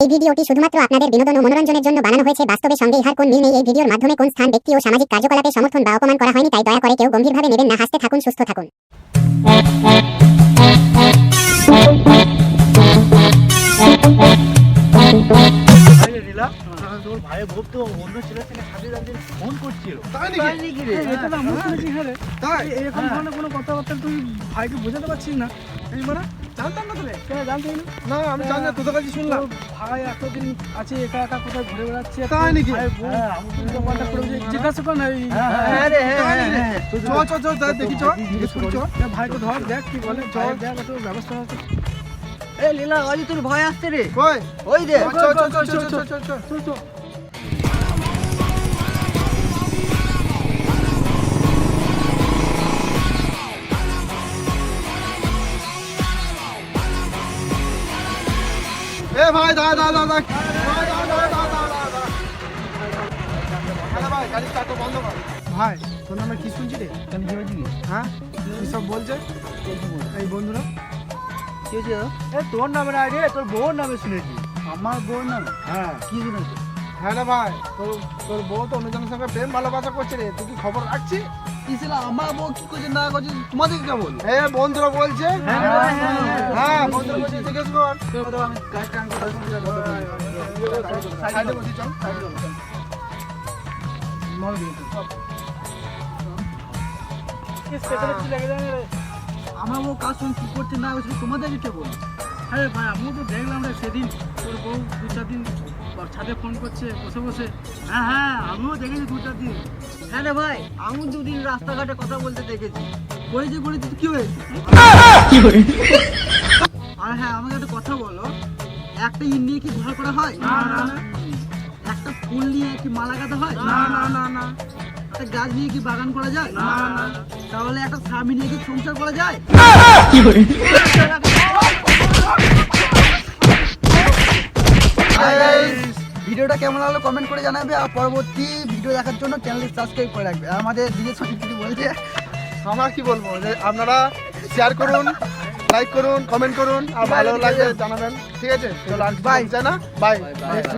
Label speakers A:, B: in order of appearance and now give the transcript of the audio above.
A: এই ভিডিওটি শুধুমাত্র আপনাদের বিনোদন ও মনোরঞ্জনের জন্য বানানো হয়েছে। বাস্তবের সঙ্গে ইহার কোন মিল নেই। এই ভিডিওর মাধ্যমে কোন স্থান, ব্যক্তি ও সামাজিক কার্যকলাপে সমর্থন বা অপমান করা হয়নি, তাই দয়া করে কেউ গম্ভীরভাবে নেবেন না। হাসতে থাকুন, সুস্থ থাকুন।
B: তোর ভাইয়ের বউ তো অন্য ছেলের থেকে সাজিয়ে দাঁড়িয়ে ফোন করছিল।
C: তাই নাকি রে?
B: এটা তো আমি শুনেছি। হ্যাঁ রে,
C: তাই
B: এরকম ধরনের কোনো কথাবার্তা তুই ভাইকে বোঝাতে পারছিস না।
C: এই মানে জানতাম না তোরে।
B: কেন জানতেই না?
C: না আমি জানি না, তোদের কাছে শুনলাম।
B: তোর ভাই এতদিন আছে একা একা কোথায় ঘুরে বেড়াচ্ছে।
C: তাই নাকি?
B: ভাইয়ের বউ উল্টো পাল্টা করে বলছে, জিজ্ঞাসা কর না এই
C: তাই নাকি? চ তাই দেখি চ জিজ্ঞেস করি চ।
B: এ ভাইকে ধর, দেখ কি বলে।
C: চল।
B: দেখ একটু ব্যবস্থা আছে।
D: এ লীলা, ওই যে তোর ভয় আসছে রে,
C: কই
D: ওই দে।
C: চ চ চ চ চ চ চ।
B: চল চল।
C: এ ভাই দাঁড়া দাঁড়া দাঁড়া ভাই, গাড়ি স্টার্ট বন্ধ কর। ভাই তোর নামে কি শুনছি রে?
B: কেন কি হয়েছে কি?
C: হ্যাঁ কি সব বলছে এই বন্ধুরা?
D: কি হয়েছে?
B: এ তোর নামে না রে, তোর বউর নামে শুনেছি।
D: আমার বউ না,
C: হ্যাঁ
D: কি শুনেছে?
C: হ্যাঁ রে ভাই, তোর বউ তো অন্যজনের সঙ্গে প্রেম ভালোবাসা করছে রে। তুই কি খবর রাখছিস?
D: কিসের আমার বউ কি করছে না করছে তোমাদের কেমন?
C: এ বন্ধুরা বলছে। হ্যাঁ বন্ধুরা বলছে, জিজ্ঞেস কর।
D: আমি গাড়ি টান করে
C: সাইডে বসি চল, সাইডে চল।
D: আমার বউ কার সঙ্গে কি করছে না করছে তোমাদের কেমন?
B: আরে ভাই, আমিও তো দেখলাম রে সেদিন তোর বউ দু চার দিন ছাদে ফোন করছে বসে বসে। হ্যাঁ হ্যাঁ, আমিও দেখেছি দু চার দিন।
D: হ্যাঁ রে ভাই, আমি দুদিন রাস্তাঘাটে কথা বলতে দেখেছি। বলেছি কি হয়েছে? আর হ্যাঁ, আমাকে একটা কথা বলো, একটা ইট নিয়ে কি ঘর করা হয়?
B: না না না
D: একটা ফুল নিয়ে কি মালা গাঁথা হয়?
B: না না না না
D: একটা গাছ নিয়ে কি বাগান করা যায়?
B: না না।
D: তাহলে একটা স্বামী নিয়ে কি সংসার করা যায়? ভিডিওটা কেমন লাগলো কমেন্ট করে জানাবে, আর পরবর্তী ভিডিও দেখার জন্য চ্যানেলটি সাবস্ক্রাইব করে রাখবে। আর আমাদের দিদির সঙ্গে কিছু বলছে।
C: আমার কি বলবো, যে আপনারা শেয়ার করুন, লাইক করুন, কমেন্ট করুন, আর ভালো লাগলে জানাবেন। ঠিক আছে, চলো আর বাই, না বাই।